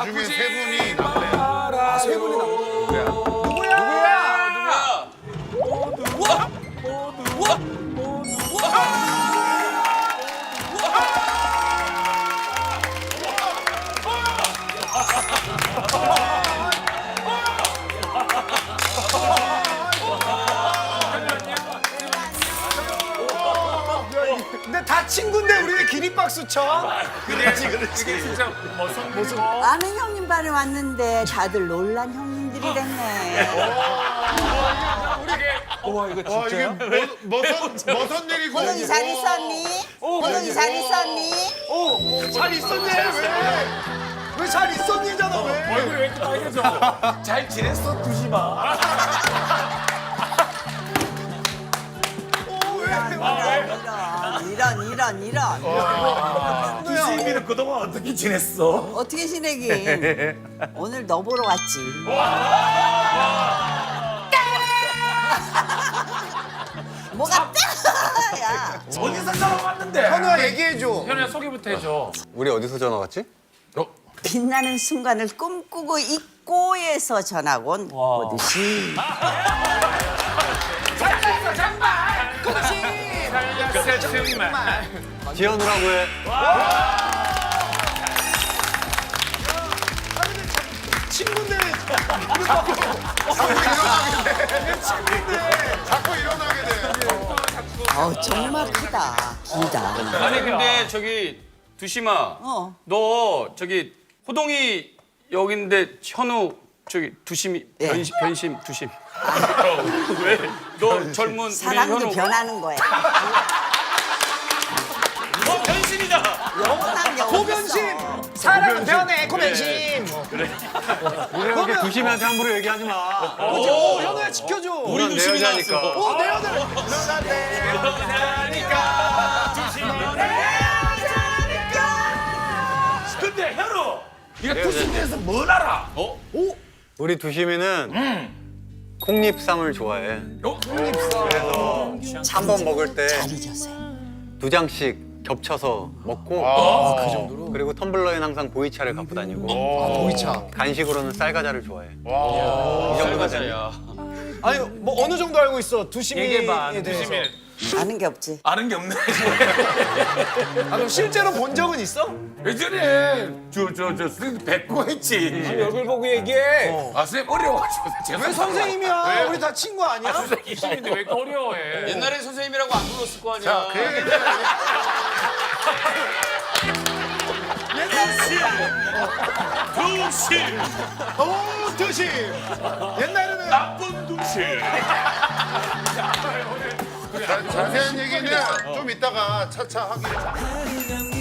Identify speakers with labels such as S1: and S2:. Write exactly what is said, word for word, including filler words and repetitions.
S1: 중에 세 분이 남매.
S2: 아, 세 분이 남.
S1: 누구야?
S2: 누구야?
S3: 누구야? 우와! 우와!
S2: 근데 다 친구인데 우리 왜 기립박수 쳐?
S1: 그렇지, 그렇지.
S3: 진짜 멋선 모습.
S4: 아는 형님 반에 왔는데 다들 놀란 형님들이 됐네.
S2: 와 이거
S1: 와, 이게 뭐, 머선, 머선 얘기고.
S4: 호동이 잘 있었니? 호동이 잘 있었니?
S2: 오, 잘 있었니? 왜? 왜 잘 있었니잖아 왜?
S3: 얼굴이 왜 이렇게 빨개져? 잘 지냈어, 두시마.
S2: 오, 왜?
S4: 이런 이런 이런.
S3: 두시미는 그동안 어떻게 지냈어?
S4: 어떻게 지내긴? 오늘 너 보러 왔지. 뭐가 따? 야.
S3: 어디서 전화 왔는데?
S2: 현우야 얘기해줘.
S3: 현우야 소개부터 해줘.
S5: 우리 어디서 전화 왔지?
S4: 빛나는 순간을 꿈꾸고 있고에서 전학 온 오디시.
S3: 살렸어, 정말.
S5: 지현우라고 해.
S2: 친구인데
S1: 자꾸 일어나게 돼.
S4: 어 정말 크다. 길다.
S6: 아니 근데 저기 두심아,
S4: 어.
S6: 너 저기 호동이 여긴데 현우 저기 두심이
S4: 예.
S6: 변심, 변심 두심. 왜? 너 젊은 우리
S4: 사람도
S6: 현우.
S4: 변하는 거야.
S6: 너 변심이다.
S4: 영원한 영혼.
S2: 고변심. 사람은 변해 고변심.
S5: 우리 이렇게 두심이한테 함부로 얘기하지 마.
S2: 오, 현우야 지켜줘.
S6: 우리 두심이
S5: 여자니까.
S6: 나왔어.
S2: 오, 내 여자.
S3: 근데 현우, 네가 두시미에서 뭘 알아? 어?
S5: 우리 두심이는 콩잎쌈을 좋아해.
S3: 어?
S5: 그래서 한 번 먹을 때
S4: 잘 잊었어.
S5: 두 장씩 겹쳐서 먹고
S2: 아, 그 정도로.
S5: 그리고 텀블러엔 항상 보이차를 갖고 다니고
S2: 보이차.
S5: 간식으로는 쌀과자를 좋아해.
S1: 와.
S5: 이 정도가 되네.
S2: 아니 뭐 어느 정도 알고 있어 두심이에
S3: 얘기해봐,
S2: 대해서.
S3: 두심이.
S4: 아는 게 없지.
S3: 아는 게 없네.
S2: 아 그럼 실제로 본 적은 있어?
S3: 예전에 저저저 선생님 뵙고 했지.
S2: 얼굴 보고 얘기해.
S3: 아 선생님 어려워가지고 제가
S2: 왜 선생님이야? 우리 다 친구 아니야?
S3: 선생님인데 왜 이렇게 어려워해?
S6: 옛날에 선생님이라고 안 불렀을 거 아니야.
S1: 자, 그 얘기는
S3: 두심,
S2: 오 두심. 옛날에는
S3: 나쁜 두심.
S1: 자, 자세한 얘기는 좀 이따가 차차 하기로.